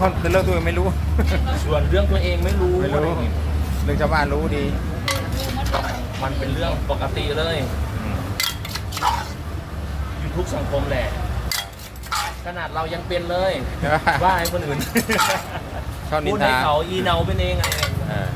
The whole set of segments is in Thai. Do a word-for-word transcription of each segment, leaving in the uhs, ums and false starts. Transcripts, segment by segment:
เขาเรื่องตัวเองไม่รู้ส่วนเรื่องตัวเองไม่รู้ไม่รู้เรื่องชาวบ้านรู้ดีมันเป็นเรื่องปกติเลยอยู่ทุกสังคมแหละขนาดเรายังเป็นเลยว่าให้คนอื่นชอบนิพูนดให้ทาเขาอีเนาเป็นเองไงเออ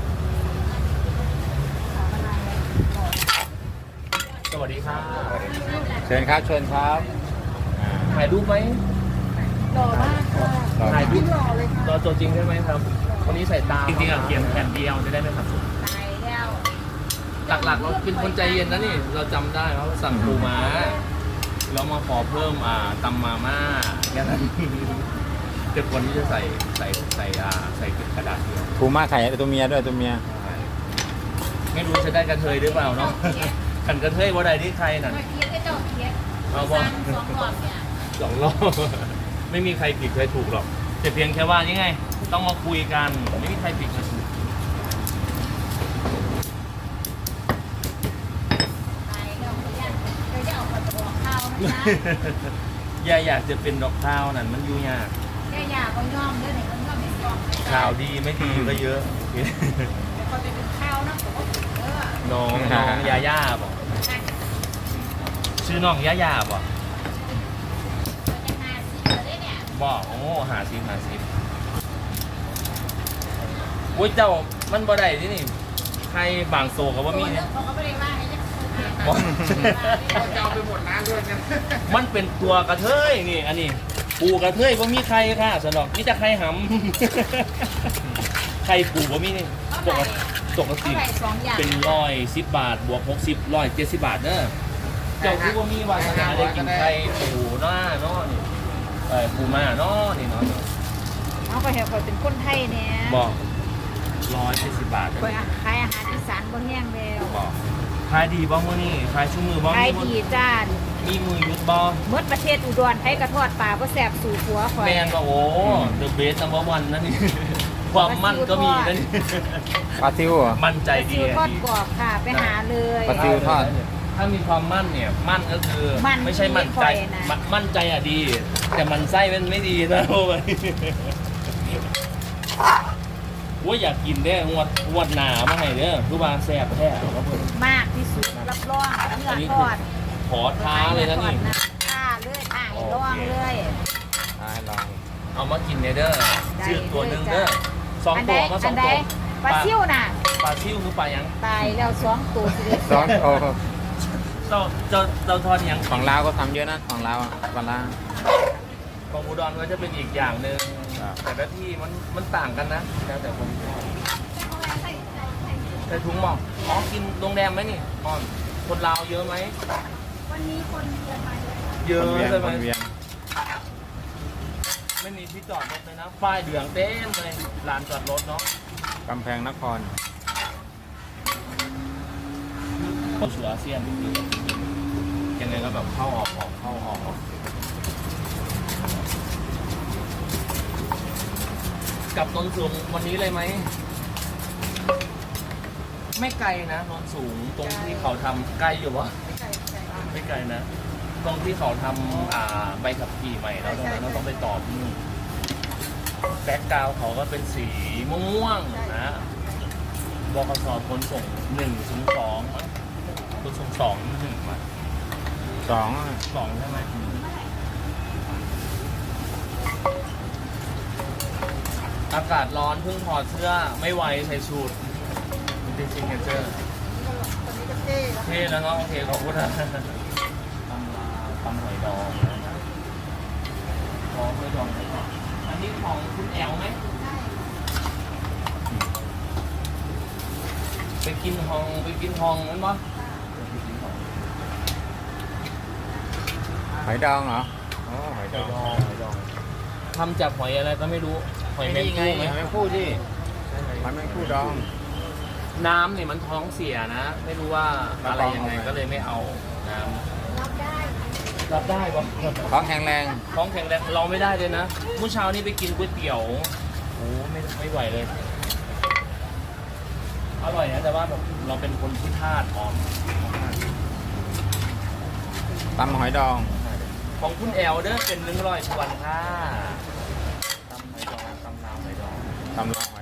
สวัสดีครับเชิญครับเชิญครับอ่าถ่ายรูปไหมหล่อมากค่ะต่อถ่ายรูปหล่อเลยค่ะรอตัวจริงใช่ไหมครับวันนี้ใส่ตาจริงๆอ่ะเขียนแผ่นเดียวจะได้ไหมครับตายแล้วหลักๆเราเป็นคนใจเย็นนะนี่เราจำได้ว่าสั่งปูม้าแล้วมาขอเพิ่มอ่าตำมาม่าแค่นั้นแต่คนที่จะใส่ใส่ใส่อ่าใส่กระดาษเดียวผูม่าไข่ตัวเมียด้วยตัวเมียไม่รู้จะได้กระเทยหรือเปล่าเนาะกันกระเทยว่าใดที่ใครน่ะเมื่อกี้ก็เจ้าเคียดเอาสบ่ร้างสองหลอดเนี่ยสองรอบไม่มีใครผิดใครถูกหรอกแต่เพียงแค่ว่านี่ไง ต้องมาคุยกันไม่มีใครผิดใครถูกตายแล้วเขาอยากเขาจะเอาไปบอกข้าวนะอย่าอยากจะเป็นดอกข้าวนั่นมันยุ่งยากแค่อยากเขายอมด้วยเนี่ยเขายอมไม่ยอมข่าวดีไม่ดีก็เยอะแต่เขาจะเป็นข้าวนะผมก็ถือเออน้องน้องยาย่าบอกชื่อน้องยาย่าบอกจะหาซีเลยเนี่ยบอกโอ้หาซิมหาซิมโอ้ยเจ้ามันบ่ได้ที่นี่ใครบางโซกับว่ามีเนี่ยเขาก็ไม่ได้ว่าไงจะบอกจะเอาไปหมดร้านด้วยกันมันเป็นตัวกระเทยนี่อันนี้ปูกระเทยว่ามีใครค่ะสนอกนี่จะใครหำ ใครปูว่ามีนี่ปกติปกติเท่าไหร่สองอย่างเป็นร้อยสิบบาทบวกหกสิบร้อยเจ็ดสิบบาทเนอะเจ้าคือว่ามีวาสนาได้กินไข่ปูหน้าเนาะนี่เออปูมาเนาะนี่เนาะเอาไปเถอะคอยเป็นคนไทยเนี่ยบอกร้อยเจ็ดสิบบาทคอยขายอาหารอีสานบนแห้งแล้วบอกขายดีบ้างมื้อนี่ขายชุ่มมือบ้างขายดีจ้ามีมือยุดบ้างเมื่อประเทศอุดรให้กระทอดปลาก็แสบสู่หัวคอยแมนบอกโอ้เดอะเบสนัมเบอร์วันนั่นนี่ ความมั่นก็มีนั่นนี่ปลาซิวเหรอมั่นใจดีซิวอะทอดดีกรอบค่ะ ไปหาเลยปลาซิวทอดถ้ามีความมั่นเนี่ยมั่นก็คือมั่นไม่ใช่มั่นใจที่คอยนะมมั่นใจอ่ะดี แต่มันไส้มันไม่ดีนะโอ้ยว่าอยากกินได้งวดงวดหนามาให้เด้อคือว่าแซ่บแท้ครับผมมากที่สุดรับรองเนื้อันอนี้ทคืออดขอท้าเลยนะนี่ท้าเลยท้าให้ลองเลยให้ลองเอามากินเนี่ยเด้อได้ชื่อตัวหนึ่งเลยจ้ะเด้อสองอันตัใดวก็สอัองนใดตัวปลาซิ่วน่ะปลาซิ่วคือปลายังตายแล้วสองตัวสิซอสโอ้เจ้าเจ้าเจ้าทอดยังของลาวก็ทำเยอะนะของลาวอะปลาล่าของอุดรก็จะเป็นอีกอย่างหนึ่งครับแต่ละที่มันมันต่างกันนะแล้วแต่คนชอบใส่ถุงหมอกอ๋อกินโรงแรมไหมนี่อ๋อคนลาวเยอะไหมวันนี้คนเยอะมาเยอะเยอะคนเวียงใช่ไหคมนเวียงไม่มีที่จอดรถเลยนะป้ายเหลืองเต็มเลยลานจอดรถเนาะกำแพงนครเข้าสู่อาเซียนยังไงก็แบบเข้าออกออกเข้าออกออกกลับนนสูงวันนี้เลยไหมไม่ไกลนะนนสูงตรงที่เขาทำใกล้อยู่วะไม่ไกลนะ ตรงที่เขาทำอ่าใบขับขี่ใหม่แล้วตรงนั้นเราต้องไปต่อที่นู่นแบ็กกราวเขาก็เป็นสีม่วงๆนะบกสขนส่งหนึ่งถึงสองขนส่งสองหนึ่งมาสองอะสองใช่ไหมอากาศร้อนเพิ่งถอดเสื้อไม่ไหวใส่สูทมันเป็นซิงเกิลเท่แล้วเนาะโอเคขอบคุณนะตำลาตำหอยดองนะครับขอหอยดองก่อนอันนี้ของคุณแอลไหมไปกินฮองไปกินฮองนั้นปะหอยดองเหรอโอ้หอยหดออย งดองหอยดองทำจากหอยอะไรก็ไม่รู้หอยแมงไงคู่ไหมหอยแมงคู่ที่หอยแมงคู่ดองน้ำเนี่ยมันท้องเสียนะ ไม่รู้ว่าอะไรยังไงก็เลยไม่เอาน้ำรับได้รับได้ปะของแข็งแรงท้องแข็งแรงเราไม่ได้เลยนะเมื่อเช้านี้ไปกินก๋วยเตี๋ยวโอ้ไม่ไม่ไหวเลยอร่อยนะแต่ว่าแบบเราเป็นคนที่ธาตุอ่อนตำหอยดองของคุณแอลเด้อเป็นหนึ่งร้อยชวนค่ะตำหอยดองทำละ